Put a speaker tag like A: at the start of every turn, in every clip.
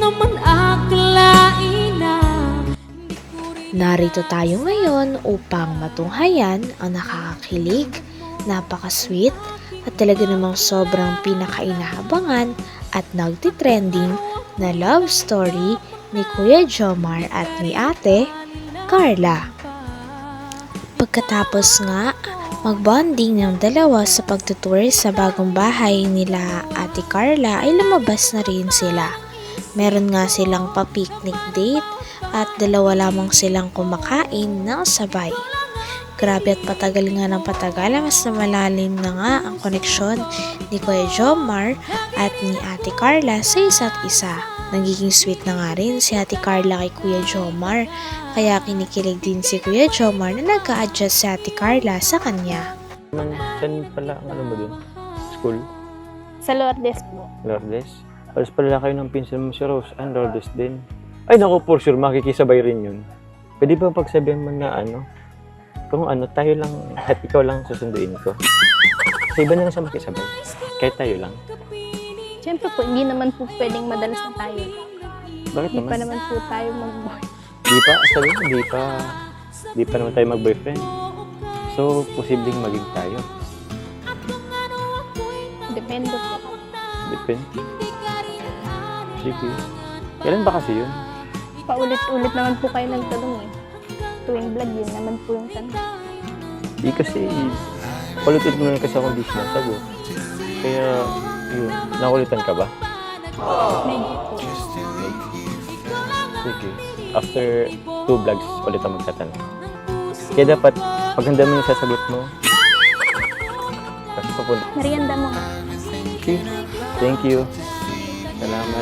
A: man akalain na.
B: Narito tayo ngayon upang matunghayan ang nakakakilig, napaka-sweet at talaga namang sobrang pinakainahabangan at nagtitrending na love story ni Kuya Jomar at ni Ate Carla. Pagkatapos nga magbonding ng dalawa sa pagtutour sa bagong bahay nila Ate Carla ay lumabas na rin sila. Meron nga silang pa-picnic date at dalawa lamang silang kumakain ng sabay. Grabe at patagal nga ng patagal, mas na malalim na nga ang koneksyon ni Kuya Jomar at ni Ate Carla sa isa't isa. Nagiging sweet na nga rin si Ate Carla kay Kuya Jomar, kaya kinikilig din si Kuya Jomar na nag-a-adjust si Ate Carla sa kanya.
C: Saan pala ang ano mo dun? School?
D: Sa Lourdes po.
C: Lourdes? Alas pala kayo ng pinsan mo si Rose. Lourdes din. Ay naku, for sure, makikisabay rin yun. Pwede ba pagsabihan mo na ano? Kung ano, tayo lang, at ikaw lang susunduin ko. Sa iba na lang siya makisabay. Kahit tayo lang.
D: Siyempre po, hindi naman po pwedeng madalas na tayo.
C: Bakit
D: Hindi
C: naman?
D: pa naman po tayo mag-boy.
C: Di pa, sabi mo, di pa naman tayo mag-boyfriend. So, posibleng maging tayo.
D: Depende po.
C: Depende. Sige. Kailan ba kasi yun?
D: Paulit-ulit naman po kayo nagtanong eh. Tuwing vlog yun naman po yung tanong.
C: Di kasi, kulitin mo na kasi ako di sinasagot. Kaya, yun, nakulitan ka ba?
D: Medyo po.
C: Sige. After 2 vlogs, ulit ang magtatanong. Kaya dapat, paghanda mo yung sasagot mo. Kasi papunta.
D: Merienda mo.
C: Okay. Thank you. Salamat.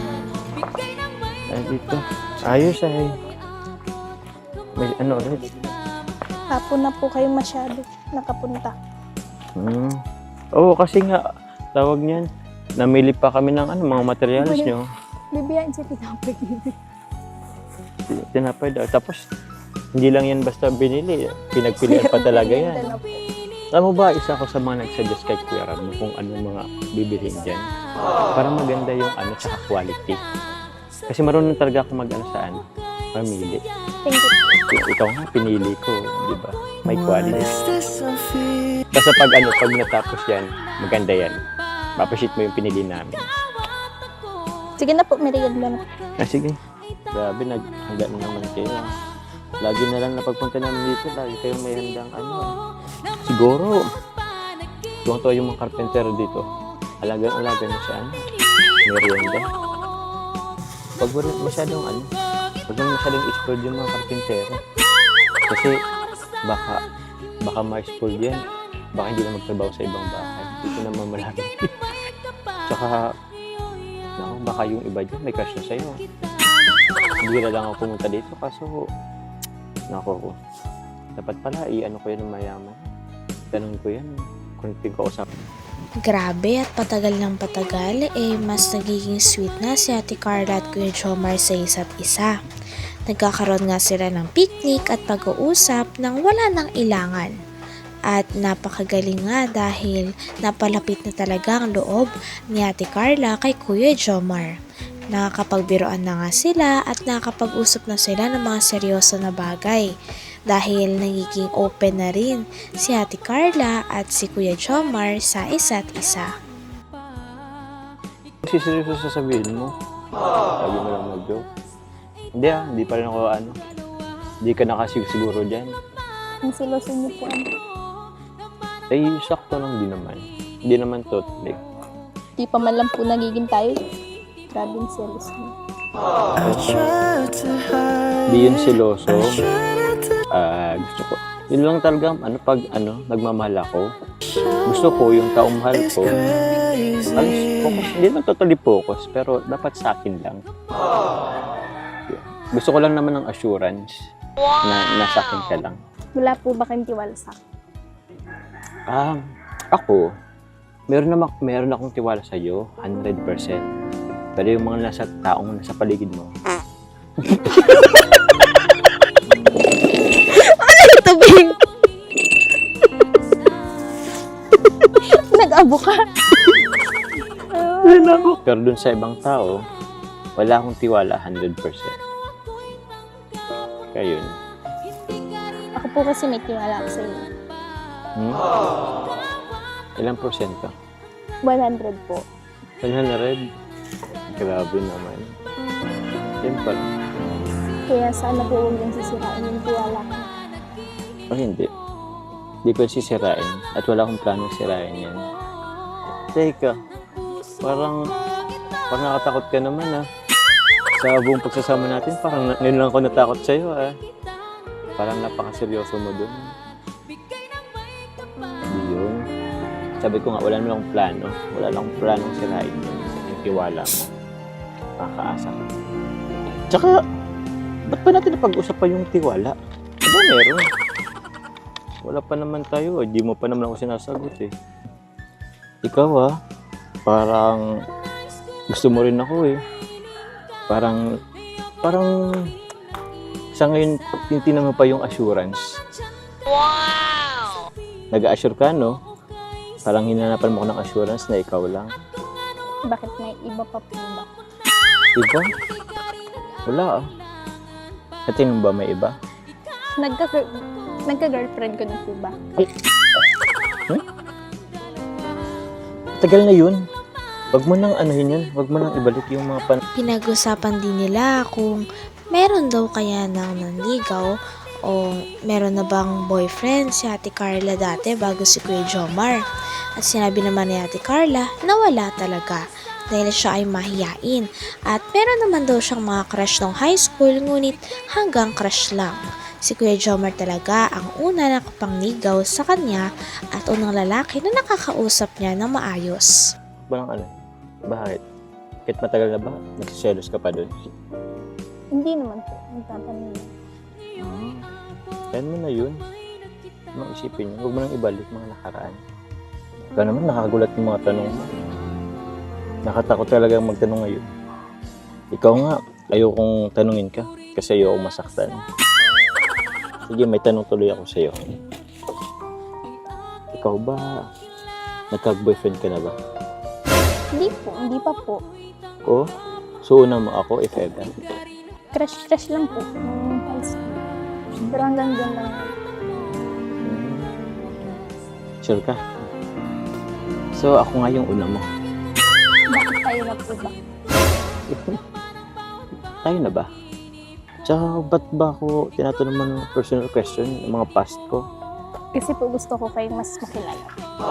C: Dito. Ayos ay. May ano ulit?
D: Hapon na po kayo masyado nakapunta.
C: Oo, kasi nga, tawag niyan, namili pa kami ng ano, mga materials nyo.
D: Bibiyain siya tinapay.
C: Tinapay daw. Tapos, hindi lang yan basta binili. Pinagpilian pa talaga yan.
D: Merienda na po.
C: Alam mo ba, isa ako sa mga nagsuggest kay Kuya Ram kung anong mga bibilihin dyan. Para maganda yung ano, tsaka quality. Kasi marunong talaga ako mag-ano saan, mamili.
D: Thank you.
C: Ikaw nga, pinili ko, di ba? May quality. Basta pag natapos yan, maganda yan. Mapashit mo yung pinili namin.
D: Sige na po, merienda na.
C: Sige. Grabe, naghanda na naman kayo. Lagi na lang napagpunta namin dito, lagi kayong may handang ano. Siguro, tuwang-tuwa yung mga carpenter dito. Alagang-alaga na siya, merienda. Pag wala masyadong huwag lang masyadong explode yung mga karpintero. Kasi baka ma-explode yan. Baka hindi na magtrabaho sa ibang bahay. Dito naman malaki. Tsaka, baka yung iba dyan may crush na sa'yo. Hindi na lang ako pumunta dito kaso, dapat pala i-ano ko yan ng mayaman. Tanong ko yan, kung pinag-uusap.
B: Grabe at patagal ng patagal, mas nagiging sweet na si Ate Carla at Kuya Jomar sa isa't isa. Nagkakaroon nga sila ng picnic at pag-uusap nang wala nang ilangan. At napakagaling nga dahil napalapit na talaga ang loob ni Ate Carla kay Kuya Jomar. Nakakapagbiroan na nga sila at nakakapag-usap na sila ng mga seryoso na bagay. Dahil nagiging open na rin si Ate Carla at si Kuya Jomar sa isa't isa.
C: Kasi seryoso sasabihin mo. Sabi mo lang mag-joke. Hindi pa rin ako hindi ka nakasiguro dyan.
D: Ang siloso niyo po.
C: Ay, sakto lang din naman. Hindi naman totally.
D: Di pa man lang po nagiging tayo. Grabe yung silos niyo.
C: Hindi yun siloso. Gusto ko. Yun lang talaga, pag nagmamahal ako. Gusto ko yung taong mahal ko. Focus, hindi naman totally focus, pero dapat sa akin lang. Gusto ko lang naman ng assurance na nasa akin ka lang.
D: Wala po ba kayong tiwala sa akin?
C: Ako, meron akong tiwala sa iyo, 100%. Pero yung mga nasa taong nasa paligid mo,
D: Ito, Bing! Nag-abo ka.
C: pero dun sa ibang tao, wala akong tiwala 100%. Kaya yun.
D: Ako po kasi may tiwala ako sa inyo.
C: Ilang porsyento?
D: 100 po.
C: 100? Grabe naman. Simple.
D: Kaya sana po huwag niyong sisirain yung tiwala ko.
C: O hindi. Hindi ko sisirain. At wala akong planong sirain yan. Teka. Parang nakatakot ka naman sa buong pagsasama natin, parang ngayon lang ako natakot sa'yo Parang napakaseryoso mo dun. Hindi yun. Sabi ko nga, wala naman akong plano. Wala lang akong planong sirain yun. Yung tiwala mo. Makakaasa ka. Tsaka, ba't pa natin napag-usapan yung tiwala? Ano meron? Wala pa naman tayo. Hindi mo pa naman ako sinasagot Ikaw parang gusto mo rin ako Parang sa ngayon, tinitingnan mo pa yung assurance. Wow! Nag-assure ka, no? Parang hinanapan mo ko ng assurance na ikaw lang.
D: Bakit may iba pa po ba?
C: Iba? Wala At yun ba may iba?
D: Nagka-girlfriend ko na po ba?
C: Tagal na yun. Wag mo nang anuhin yun. Wag mo nang ibalik yung mga
B: Pinag-usapan din nila kung meron daw kaya nang nanligaw o meron na bang boyfriend si Ate Carla dati bago si Kuya Jomar. At sinabi naman ni Ate Carla na wala talaga dahil siya ay mahiyain at meron naman daw siyang mga crush nung high school ngunit hanggang crush lang. Si Kuya Jomar talaga ang una nakapangnigaw sa kanya at unang lalaki na nakakausap niya ng maayos.
C: Walang Bakit? Kahit matagal na ba? Nagsiselos ka pa dun?
D: Hindi naman po. Nagtatanong lang.
C: Kaya mo na yun. Mga isipin yun. Huwag mo nang ibalik mga nakaraan. Ikaw naman nakagulat yung mga tanong mo. Nakatakot talaga magtanong ngayon. Ikaw nga, ayokong tanungin ka kasi ayoko masaktan. Sige, may tanong tuloy ako sa'yo. Ikaw ba, nagkag-boyfriend ka na ba?
D: Hindi pa po.
C: Oh, so una mo ako if ever.
D: Crush lang po. Nung high school. Pero hanggang dyan lang.
C: Sure ka? So ako nga yung una mo.
D: Bakit tayo na po ba?
C: Tayo na ba? Tsaka ba't ba ako tinatanong mo ng personal question, yung mga past ko?
D: Kasi po gusto ko kayong mas makilala.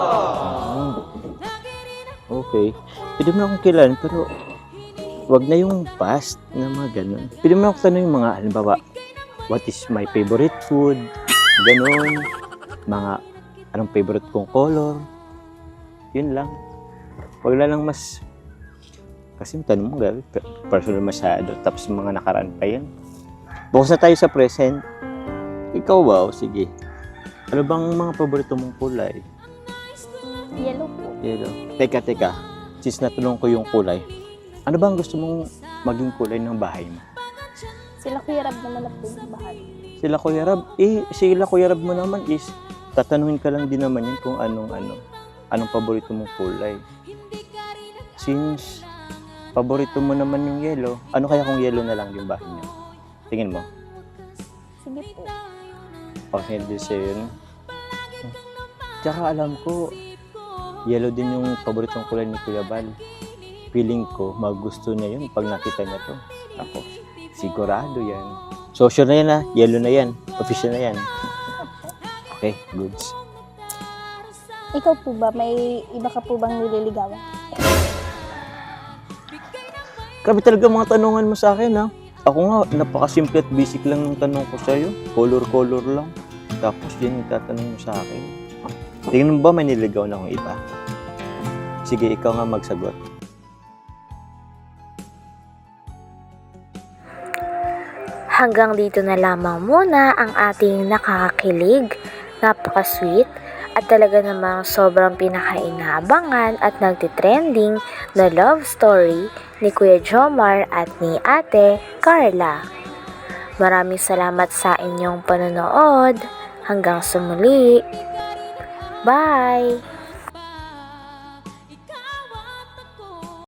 C: Okay. Pwede mo na akong kilalan, pero wag na yung past na mga ganun. Pwede mo na akong tanong yung mga, halimbawa, what is my favorite food? Ganun. Mga, anong favorite kong color? Yun lang. Wag na lang mas, kasi yung tanong mo, personal masyado. Tapos mga nakaraan pa yan. Bukas na tayo sa present. Ikaw ba? O sige. Ano bang mga paborito mong kulay?
D: Yellow po.
C: Yellow. Teka. Since natulong ko yung kulay, ano bang gusto mong maging kulay ng bahay mo?
D: Sila Kuya Rab naman na po yung bahal.
C: Sila Kuya Rab? Sila Kuya Rab mo naman is, tatanungin ka lang din naman yun kung anong paborito mong kulay. Since paborito mo naman yung yellow, ano kaya kung yellow na lang yung bahay niyo? Tingin mo?
D: Sige po.
C: Okay, din siya yun. Tsaka alam ko, yellow din yung paboritong kulay ni Kuya Bal. Feeling ko, magusto niya yun pag nakita niya to. Ako, sigurado yan. So, sure na yan yellow na yan. Official na yan. Okay, goods.
D: Ikaw po ba, may iba ka po bang nililigawan?
C: Grabe talaga mga tanungan mo sa akin Ako nga, napakasimple at basic lang ng tanong ko sa'yo. Color lang. Tapos yan yung tatanong mo sa akin. Tingnan mo ba may niligaw na akong iba? Sige, ikaw nga magsagot.
B: Hanggang dito na lamang muna ang ating nakakakilig, napaka-sweet, at talaga namang sobrang pinakainabangan at nagtitrending na love story ni Kuya Jomar at ni Ate Carla. Maraming salamat sa inyong panonood. Hanggang sa muli. Bye!